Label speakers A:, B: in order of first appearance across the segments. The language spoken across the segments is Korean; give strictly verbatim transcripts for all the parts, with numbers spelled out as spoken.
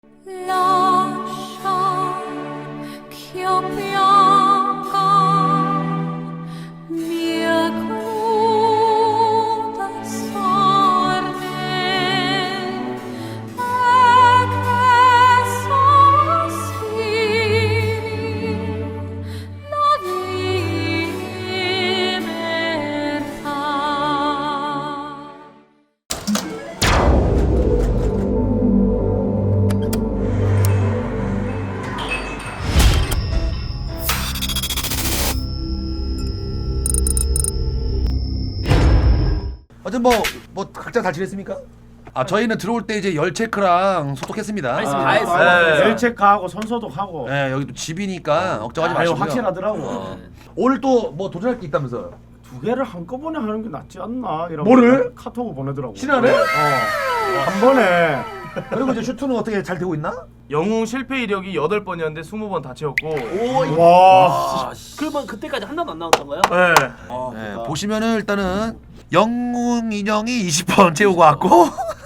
A: 어쨌든 뭐, 뭐 각자 잘 지냈습니까? 아 저희는 들어올 때 이제 열 체크랑 소독했습니다.
B: 했습니다.
C: 아,
B: 했어요.
C: 네.
B: 네.
C: 열 체크하고 손소독하고.
A: 네 여기 또 집이니까 걱정하지
C: 아유,
A: 마시고요.
C: 확실하더라고.
A: 어. 오늘 또 뭐 도전할 게 있다면서요?
C: 두 개를 한꺼번에 하는 게 낫지 않나 이런.
A: 뭐를?
C: 카톡을 보내더라고.
A: 신하네?
C: 어. 한 번에.
A: 그리고 이제 슈트는 어떻게 잘 되고 있나?
D: 영웅 실패 이력이 여덟 번이었는데 스무 번 다 채웠고.
B: 오,
C: 와.
B: 그러면 그때까지 한 번도 안 나왔던 거예요?
D: 네.
B: 아,
A: 네,
B: 그러니까.
A: 보시면은 일단은 영웅 인형이 이십 번 채우고 왔고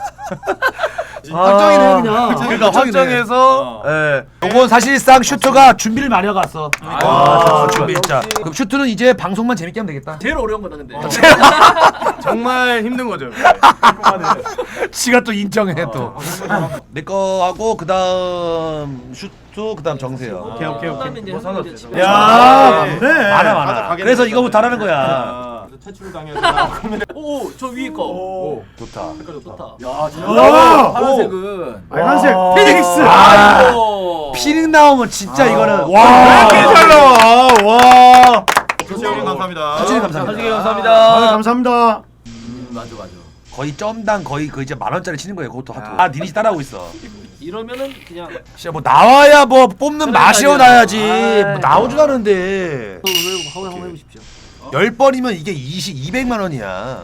A: 확정이네 그냥.
D: 그러니까
A: 확정이네.
D: 확정해서 예.
A: 요건 사실상 슈트가 준비를 많이 하고 왔어.
B: 아,
A: 아,
B: 역시.
A: 준비 진짜. 그럼 슈트는 이제 방송만 재밌게 하면 되겠다.
B: 제일 어려운 거다 근데.
D: 정말 힘든 거죠.
A: 지가 또 인정해 또. 내 거하고 그다음 슈트 그다음 정세요.
C: 오케이, 오케이, 오케이.
B: 그다음에 이제
D: 뭐
B: 한
D: 상관없지.
B: 번에
C: 야,
D: 네.
C: 그래.
A: 많아 많아. 그래서 이거부터 하라는 거야.
D: 퇴출 당해서
B: 오, 저 위에 거.
C: 오.
A: 좋다.
B: 색깔 좋다.
C: 야,
D: 오!
C: 파란색은 빨간색
A: 와.
C: 피닉스.
B: 아이고.
A: 피닉 나오면 진짜 이거는
D: 왜
A: 와.
D: 이렇게 잘 나와? 와.
E: 조시 형님 감사합니다.
A: 사진 감사합니다.
B: 사진
C: 아,
B: 감사합니다.
C: 감사합니다.
B: 음, 맞아 맞아.
A: 거의 점당 거의 그 이제 만 원짜리 치는 거예요. 그것도 하도. 아 니네 따라하고 있어.
B: 이러면은 그냥
A: 진짜 뭐 나와야 뭐 뽑는 맛이
B: 그러니까요.
A: 나야지.
B: 아이.
A: 뭐 나오지도 않은데.
B: 또 왜 한번 한번 해보십시오.
A: 열 번이면 이게 이십 이백만 원이야.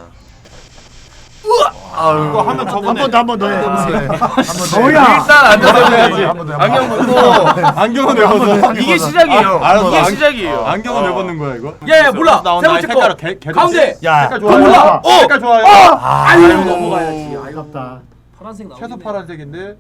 E: 이거 하면
C: 한
E: 저번에
C: 번 더, 한 번 더 해.
A: 한번
C: 뭐야?
D: 일단 앉아서야지.
A: 한번 더,
D: 안경 벗고
E: 안경은 왜 벗어?
D: 이게 시작이에요.
E: 알았어.
D: 이게
E: 안-
D: 시작이에요.
E: 안경은 왜 벗는 거야 이거?
B: 야야 몰라.
E: 나온
B: 세
E: 나의
B: 번째 거.
E: 색깔 개- 개-
B: 가운데.
A: 야.
E: 색깔
C: 아,
E: 좋아요.
C: 몰라.
A: 어!
E: 색깔 좋아요.
B: 아유 넘어가야지. 아이고
C: 아깝다.
B: 파란색 나오네.
E: 최소 파란색인데.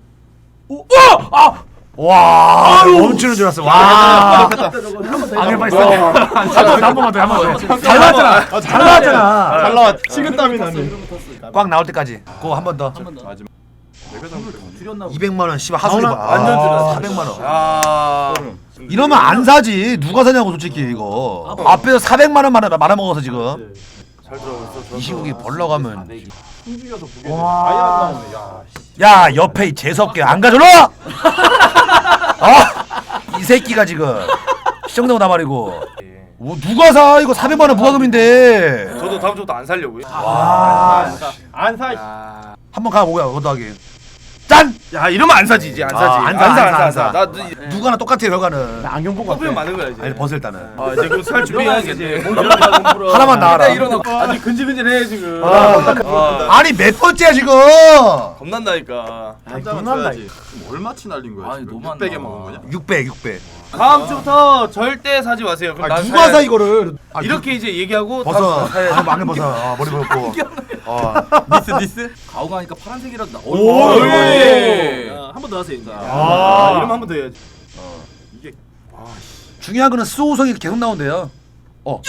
A: 와. 멈추는 줄 알았어. 와.
B: 안경
A: 빨리 써. 한 번만 더, 한 번 더. 잘 나왔잖아. 잘 나왔잖아.
E: 잘 나왔. 식은땀이 나네.
A: 꽉 나올 때까지. 그거 한 번 더.
B: 한번 더.
E: 마지막.
B: 줄였나 보다.
A: 이백만 원 씨발 하수리 봐.
D: 완전 줄였어.
A: 사백만 원.
D: 아.
A: 이러면 안 사지. 누가 사냐고 솔직히 이거. 앞에서 사백만 원 말아 말아 먹어서 지금.
D: 잘 들어갔어.
A: 이 시국이 벌러 가면.
E: 숨죽여서 보게 돼. 아예 안 나오네. 야.
A: 야 옆에 이 재수없게 안 가져라. 어? 이 새끼가 지금 시청자고 나발이고. 뭐 누가 사 이거 사백만 원 부가금인데.
D: 저도 다음 주부터 안 살려고요.
A: 와.
E: 안 사.
D: 야.
A: 한번 가보자 그것도 하기. 짠.
D: 야 이러면 안 사지 이제 안 사지.
A: 아, 안 사,
D: 안 사,
A: 안 사,
D: 안
A: 안
D: 사.
A: 사.
D: 나
A: 누가나 똑같아 결과는.
C: 나 안경 보고
D: 커피면
C: 왔대.
D: 많은 거야 이제.
A: 아니 벗어 일단은.
D: 아 이제 그럼 살 준비해야겠네.
A: 하나만 나와라.
D: 아직 근질근질해 지금.
A: 아, 아니 몇 번째야 지금?
D: 겁난다니까.
C: 아이,
E: 한잔은
C: 겁난다.
E: 줘야지. 얼마치 날린 거야
B: 아니,
E: 지금?
B: 너무 안
E: 육백에
B: 나와.
E: 먹은 거냐?
A: 육백 육백.
D: 다음 주부터 절대 사지 마세요. 그럼
A: 아,
D: 난
A: 누가
D: 사야
A: 사
D: 돼.
A: 이거를? 아,
D: 이렇게 이제 얘기하고
A: 벗어.
D: 다음 주부터 사야지.
A: 안경 벗어. 아, 머리 벗고. 어.
E: 니스 니스.
B: 가오가니까 파란색이라도 나.
D: 오,
B: 예. 한 번 더 하세요. 이거.
D: 아, 이러면 한 번 더 해야지.
A: 중요한 거는 수호성이 계속 나온대요. 어.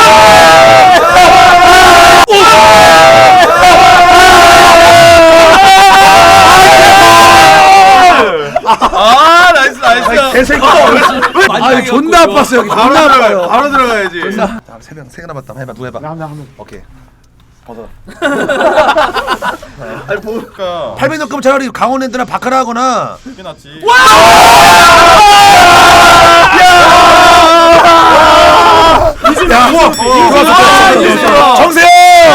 D: 아 나이스 나이스.
A: 개새끼. 아, 존나 아팠어 여기.
D: 바로
A: 존나
D: 들어가.
A: 아파요.
D: 바로 들어가야지.
A: 자, 세명세 개 남았다. 해봐. 누구 해봐.
C: 한번 한번.
A: 오케이. 벗어.
E: 아니 보니까
A: 팔백 넣으면 차라리 강원랜드나 바카라 하거나.
E: 그게 낫지.
A: 야, 우와. 정세영.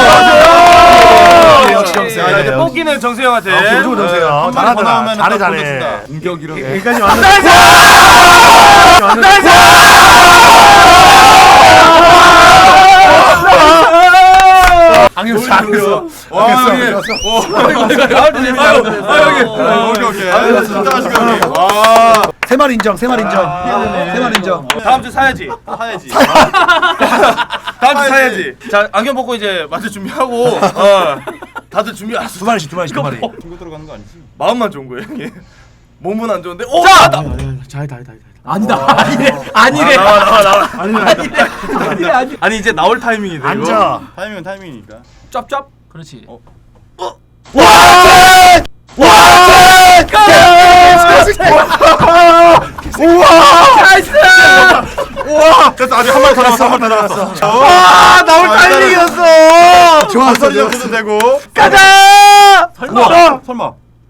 A: 역시 정세영.
D: 자, 이제 뽑기는 정세영한테.
A: 아, 무조건 정세영.
E: 한 번더
A: 잘하더라.
E: 나오면
A: 잘해
E: 딱
A: 잘해.
E: 보여준다. 인격이랑.
C: 여기까지 왔는데.
A: 안경 잘했어.
E: 와 형님.
D: 아 여기.
E: 오케이 오케이. 아, 진짜 하시고 형님. 와.
A: 세말 인정. 세말 인정. 세말 인정.
D: 다음 주 사야지.
E: 사야지.
D: 다음 주 사야지. 자 안경 벗고 이제 마트 준비하고. 어. 다들 준비 안 했어.
A: 두 마리씩 두 마리씩 두 마리.
E: 친구 들어가는 거 아니지?
D: 마음만 좋은 거예요 형님. 몸은 안 좋은데. 오!
C: 자!
D: 자!
C: 잘다 잘다.
B: 아니다. 아니래. 아니래.
D: 나와 나와 나와.
C: 아니 아니.
B: 아니래. 아니.
D: 아니 이제 나올 타이밍이 돼.
C: 앉아.
E: 타이밍은 타이밍이니까.
B: 짭짭. 그렇지.
D: 어.
E: 우와! 됐어. 아직 한 마리 더 남았어. 한 마리 더 남았어.
D: 와 나올 타이밍이었어.
E: 좋았어. 소리 넣어도 되고.
D: 가자.
E: 설마. 설마.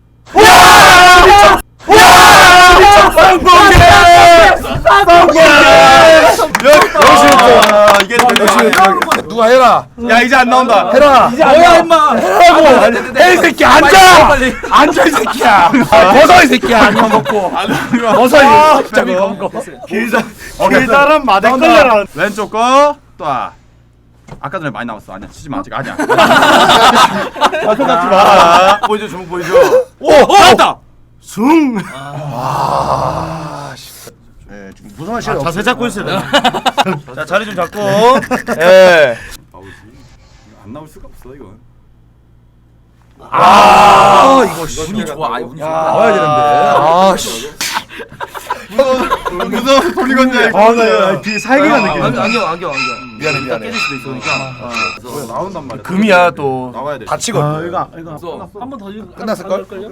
E: 아, 이게
A: 누가 해라.
D: 야 이제 안 나온다.
A: 해라.
B: 뭐야 임마.
A: 해라고. 해, 이 새끼 앉아. 앉아 이 새끼야. 벗어 이 새끼야. 안녕 먹고. 벗어 이 새끼 먹고.
C: 길다란 마대 끌려라.
E: 왼쪽 거 또. 아. 아까 전에 많이 나왔어. 아니야. 치지 마. 아직 아니야.
D: 아 손잡지 마. 보여줘 주먹 보여줘. 오! 오! 나왔다.
C: 숭.
A: 아, 씨. 네, 좀 무성한 시간
C: 자세 잡고 있어야 돼.
D: 자 자리 좀 잡고. 예.
E: 나오지. 안 나올 수가 없어 이건.
A: 아, 이거 씨.
B: 운이 좋아. 아 운이 좋아.
A: 나와야 되는데. 아, 씨.
E: 무서워서 돌리건 줄 알고.
C: 아나 뒤에 살기가
B: 안경
C: 느껴.
B: 안경 안경 안경.
A: 미안해, 미안해.
B: 깨질 수도 있으니까.
E: 그래, 나온단 말이야.
D: 금이야 또.
E: 나와야 돼.
A: 다치거든.
C: 아 이거 이거.
B: 그래서 한번 더
A: 끝났을 걸?
B: 걸요?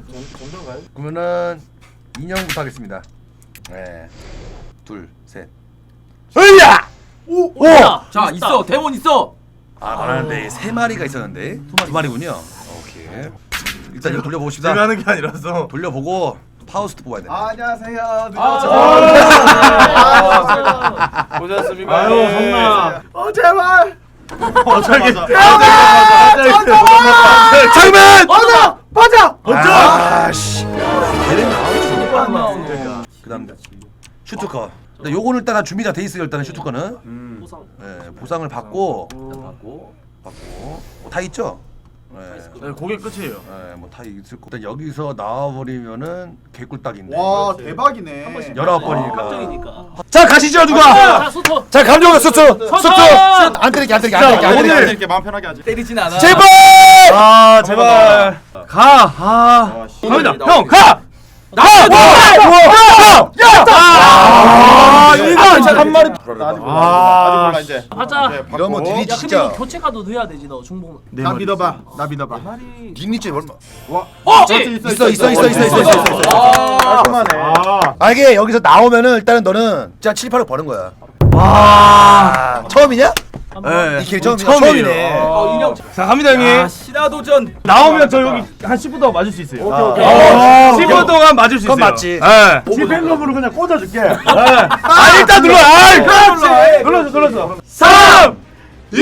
A: 그러면은 인형부터 하겠습니다. 네. 둘, 셋. 으야!
B: 오! 자 있어. 대본 있어.
A: 아, 많은데 세 마리가 있었는데 두 마리군요. 오케이. 일단 이거 돌려보고 싶다.
D: 제가 하는 게 아니라서.
A: 돌려보고 파우스트 뽑아야 돼.
E: 안녕하세요.
B: 아,
D: 고생하셨습니다.
C: 아유 성나.
E: 어 제발. 어 저기.
A: 장면!
C: 맞아 맞아.
A: 아, 씨. 그다음 슈트커. 근데 요거는 일단 준비가 돼 있어요. 일단은 슈트커는.
B: 보상.
A: 네, 보상을 받고
B: 받고.
A: 받고 뭐 다 있죠. 네.
D: 네, 그게 끝이에요.
A: 네, 뭐 다 있을 거. 일단 여기서 나와버리면은 개꿀딱인데.
E: 와 대박이네.
B: 한 번씩.
A: 열아홉 번이니까.
B: 확정이니까.
A: 자 가시죠 누가.
B: 자 소토.
A: 자 감독 수트 수트. 안 때릴게 안 때릴게 안 때릴게 안
E: 오늘
A: 때릴게.
E: 이렇게 마음 편하게 하지.
B: 때리진 않아.
A: 제발.
D: 아 제발. 가. 아. 갑니다. 형 가.
A: 나! 와! 야!
D: 아 이거 진짜 한 마리.
E: 아직 몰라. 아직 몰라 이제.
B: 하자.
E: 네, 받고.
A: 이러면 니네
B: 야 근데
A: 진짜
B: 이거 교체 카드 넣어야 되지 너 중복.
C: 나 믿어봐. 나 믿어봐.
B: 말이.
A: 니네 진짜 얼마?
E: 와.
B: 어!
A: 있어 있어 있어 있어 있어 있어 있어.
B: 아.
E: 깔끔하네.
C: 아.
A: 아 이게 여기서 나오면은 일단은 너는 진짜 칠, 팔억 버는 거야. 와. 처음이냐?
D: 네.
A: 이 길 처음이야.
D: 처음이에요.
A: 처음이네.
B: 어 인형.
D: 자 갑니다 형님.
B: 아 신화도전.
D: 나오면 저 여기 한 십 분 동안 맞을 수 있어요.
C: 오케이 오케이.
A: 아,
D: 십 분 동안 맞을 수 있어요.
A: 그건 맞지.
D: 예.
C: 지팽검으로 그냥 꽂아줄게.
D: 아 일단 눌러. 아
C: 그렇지. 눌렀어 눌렀어.
D: 삼, 이,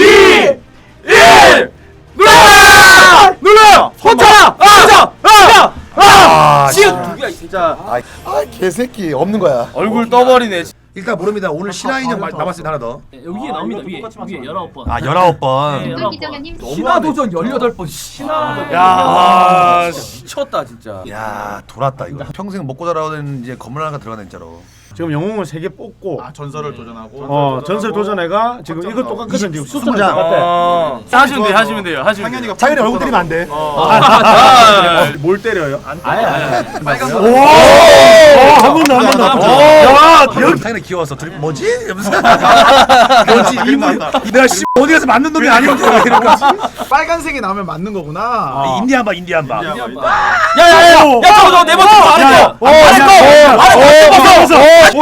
D: 일. 눌러! 눌러요. 혼자. 혼자. 아!
A: 아,
B: 지금 누구야 이 새끼.
D: 진짜
A: 아, 아 개새끼 없는 거야.
D: 얼굴 떠버리네.
A: 일단 모릅니다. 오늘 신화 인형 마- 남았습니다 하나 더.
B: 네, 여기에 나옵니다 위에 위에 열아홉 번.
A: 아 열아홉 번.
B: 네.
F: 기정현님
B: 신화도전 열여덟 번. 신화.
D: 야.
B: 미쳤다 진짜.
A: 야 돌았다 이거. 평생 먹고 자라는 이제 건물 하나 들어가네 진짜로.
C: 지금 영웅을 세 개 뽑고.
E: 아 전설을 도전하고.
C: 어 전설 도전해가 지금 이거 똑같거든 지금
A: 스무
C: 수순
A: 장.
C: 똑같아.
D: 어. 하시면 돼요. 하시면 돼요. 하시면 돼요.
E: 상현이가
A: 자기네 얼굴 때리면 안 돼.
D: 아,
C: 뭘 때려요?
E: 빨간 거.
C: 한 번 더 한 번 더.
A: 야 여기 자기네 귀여워서 둘이 뭐지? 이러면서 뭐지 이분 내가 씨 어디 가서 맞는 놈이 아니었고 이러니까
G: 빨간색이 나오면 맞는 거구나.
A: 인디안 봐 인디안 봐.
D: 야야야. 야 저거 저거 네 번째 거 안 했어.
A: 어, 야, 어, 어,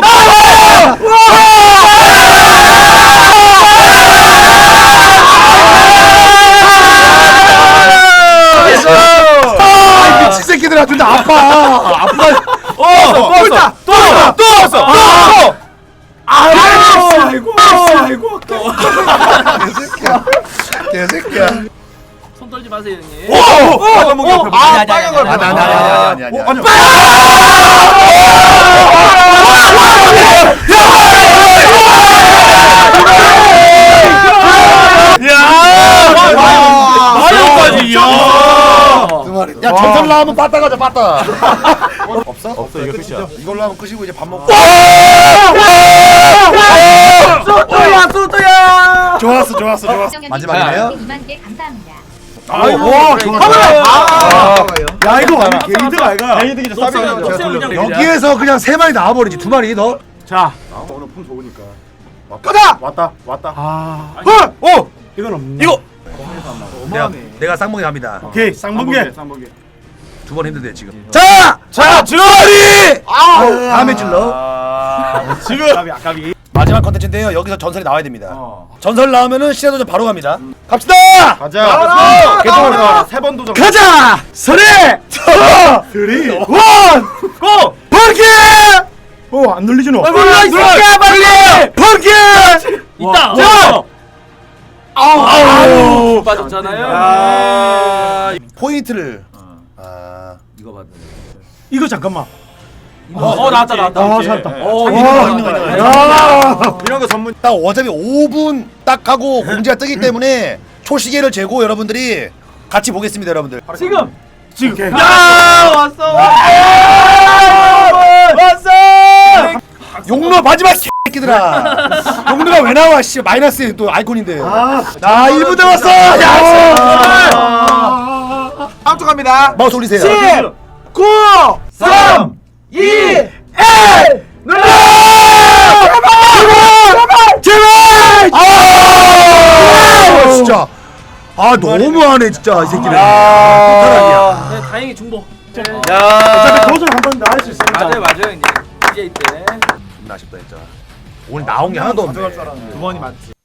A: 아, 미친 새끼들아 둘 다 아파. 아프다.
D: 어. 또 왔어. 또 왔어. 또 왔어. 또.
C: 아이고 아이고.
A: 개새끼야. 개새끼야.
B: 손 떨지 마세요 형님.
D: 빨간 목이 옆에.
B: 아,
D: 빨간 걸.
A: 아니 아니 아니 아니 아니. 아니.
D: 마리오까지. 야.
A: 두 마리. 야 전설 나오면 빠따 가자 빠따. 없어? 없어 이거 끝이야. 이걸로 하면 끝이고 이제 밥 먹고.
B: 소토야 소토야.
A: 좋았어 좋았어 좋았어.
F: 기정현님
A: 마지막이네요.
F: 이만 개 감사합니다.
C: 아이고
D: 와,
C: 좋아.
G: 아,
C: 야 이거 완전 게이드가 아이가.
D: 게이드기죠.
B: 녹색 녹색 그냥
A: 여기에서 그냥 세 마리 나와버리지 두 마리 더.
C: 자
D: 오늘 품 좋으니까.
C: 가자.
D: 왔다 왔다.
C: 아
A: 어, 어,
C: 이건 없네.
A: 이거. 내가 내가 쌍봉이 합니다.
C: 오케이 쌍번개.
D: 쌍번개.
A: 두 번 힘든데 지금. 자, 자, 주머니. 아, 다음에 질러.
D: 아, 지금
C: 아까비 아까비.
A: 마지막 컨텐츠인데요. 여기서 전설이 나와야 됩니다.
D: 어.
A: 전설 나오면은 시야도전 바로 갑니다. 갑시다.
D: 가자.
C: 나와라!
D: 개통을 나와라. 세번 도전.
A: 가자. 설에
C: 쓰리.
A: 원
D: 고!
A: 번개.
C: 어안 눌리지 너.
A: 눌러 이 새끼야 빨리. 번개.
B: 있다.
A: 자. 아우.
B: 빠졌잖아요.
D: 아,
A: 포인트를. 아.
B: 이거 받는.
C: 이거 잠깐만.
B: 어, 어 나왔다 나왔다.
C: 아 살았다.
B: 어,
C: 와,
B: 이거
C: 있는 거
B: 나왔다.
C: 아니야. 야.
D: 이런 거 전문.
A: 딱 어차피 오 분 딱 하고 공지가 뜨기 때문에 초시계를 재고 여러분들이 같이 보겠습니다, 여러분들.
B: 지금.
C: 지금.
D: 야, 왔어. 왔어.
A: 용로 마지막 새끼들아. 용로가 왜 나와? 씨 마이너스 또 아이콘인데.
C: 아.
A: 나 일 분 남았어. 야.
G: 다음 주 갑니다.
A: 마우스 올리세요.
G: 칠, 구, 삼, 이, 일. 눌러.
A: 제발! 제발! 아! 진짜. 아 너무하네 진짜 이 새끼는. 아,
B: 네, 다행히 중복.
D: 야.
C: 어차피 도전 한 번 더 할 수 있으니까.
B: 맞아요 맞아요 이제 이제 이때.
A: 아쉽다 진짜. 오늘 나온 게 하나도 없네.
G: 두 번이 맞지.